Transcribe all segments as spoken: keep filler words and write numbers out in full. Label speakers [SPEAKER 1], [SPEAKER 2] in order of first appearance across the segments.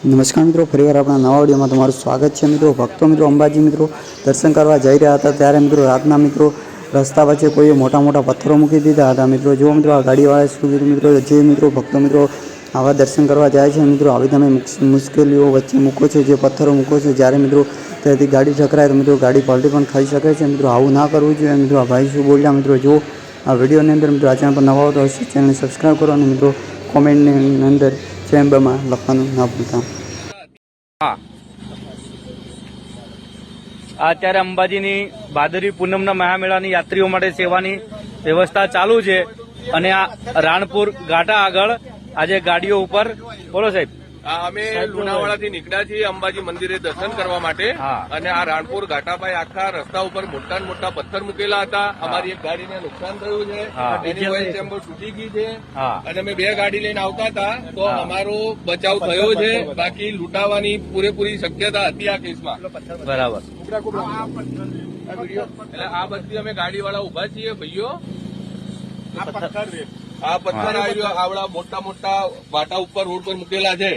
[SPEAKER 1] નમસ્કાર મિત્રો, ફરીવાર આપણા નવા વિડીયોમાં તમારું સ્વાગત છે મિત્રો। ભક્તો મિત્રો અંબાજી મિત્રો દર્શન કરવા જઈ રહ્યા હતા ત્યારે મિત્રો રાતના મિત્રો રસ્તા વચ્ચે કોઈએ મોટા મોટા પથ્થરો મૂકી દીધા હતા। મિત્રો જો મિત્રો આ ગાડીવાળાએ શું કીધું મિત્રો, જે મિત્રો ભક્તો મિત્રો આવા દર્શન કરવા જાય છે મિત્રો આવી તમે મુશ્કેલીઓ વચ્ચે મૂકો છો, જે પથ્થરો મૂકો છો, જ્યારે મિત્રો ત્યાંથી ગાડી ટકરાય તો મિત્રો ગાડી પલટી પણ થઈ શકે છે। મિત્રો આવું ના કરવું જોઈએ। મિત્રો આ ભાઈ શું બોલ્યા મિત્રો જો આ વિડીયોની અંદર મિત્રો આ ચેનલ પર નવા હો તો ચેનલને સબસ્ક્રાઈબ કરો અને મિત્રો કોમેન્ટની અંદર ચેમ્બરમાં લખવાનું ના ભૂલતા।
[SPEAKER 2] હા, અત્યારે અંબાજીની ભાદરવી પૂનમના મહામેળાની યાત્રીઓ માટે સેવાની વ્યવસ્થા ચાલુ છે અને આ રાણપુર ઘાટા આગળ આજે ગાડીઓ ઉપર બોલો સાહેબ।
[SPEAKER 3] અમે લુણાવાડાથી નીકળ્યા છીએ અંબાજી મંદિરે દર્શન કરવા માટે અને આ રાણપુર ઘાટાભાઈ આખા રસ્તા ઉપર મોટા મોટા પથ્થર મૂકેલા હતા। અમારી એક ગાડીને નુકસાન થયું છે, એની ઓઇલ ચેમ્બર તૂટી ગઈ છે અને અમે બે ગાડી લઈને આવતા હતા તો અમારો બચાવ થયો છે, બાકી લૂંટાવાની પૂરેપૂરી શક્યતા હતી આ કેસમાં।
[SPEAKER 2] બરાબર,
[SPEAKER 3] એટલે આ બધી અમે ગાડીવાળા ઉભા છીએ ભાઈઓ। આ પથ્થર આવ્યો આવડા મોટા મોટા વાટા ઉપર રોડ પર મૂકેલા છે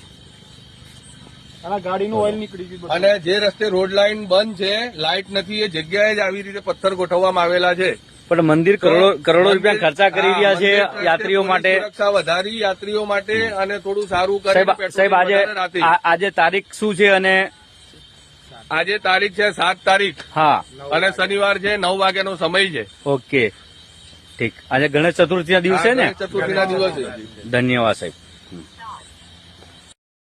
[SPEAKER 4] ગાડીનું ઓઇલ નીકળી ગયું
[SPEAKER 3] અને જે રસ્તે રોડ લાઈન બંધ છે, લાઇટ નથી, એ જગ્યાએ જ આવી રીતે પથ્થર ગોઠવવામાં આવેલા છે।
[SPEAKER 2] પણ મંદિર કરોડો કરોડો રૂપિયા ખર્ચા કરી રહ્યા છે યાત્રીઓ માટે,
[SPEAKER 3] સુરક્ષા વધારી યાત્રીઓ માટે અને થોડું સારું કરે।
[SPEAKER 2] સાહેબ આજે આજે તારીખ શું છે અને
[SPEAKER 3] આજે તારીખ છે સાત તારીખ,
[SPEAKER 2] હા,
[SPEAKER 3] અને શનિવાર છે, નવ વાગ્યાનો સમય છે।
[SPEAKER 2] ઓકે ઠીક, આજે ગણેશ ચતુર્થી ના દિવસે ને?
[SPEAKER 3] ચતુર્થી ના દિવસે।
[SPEAKER 2] ધન્યવાદ સાહેબ।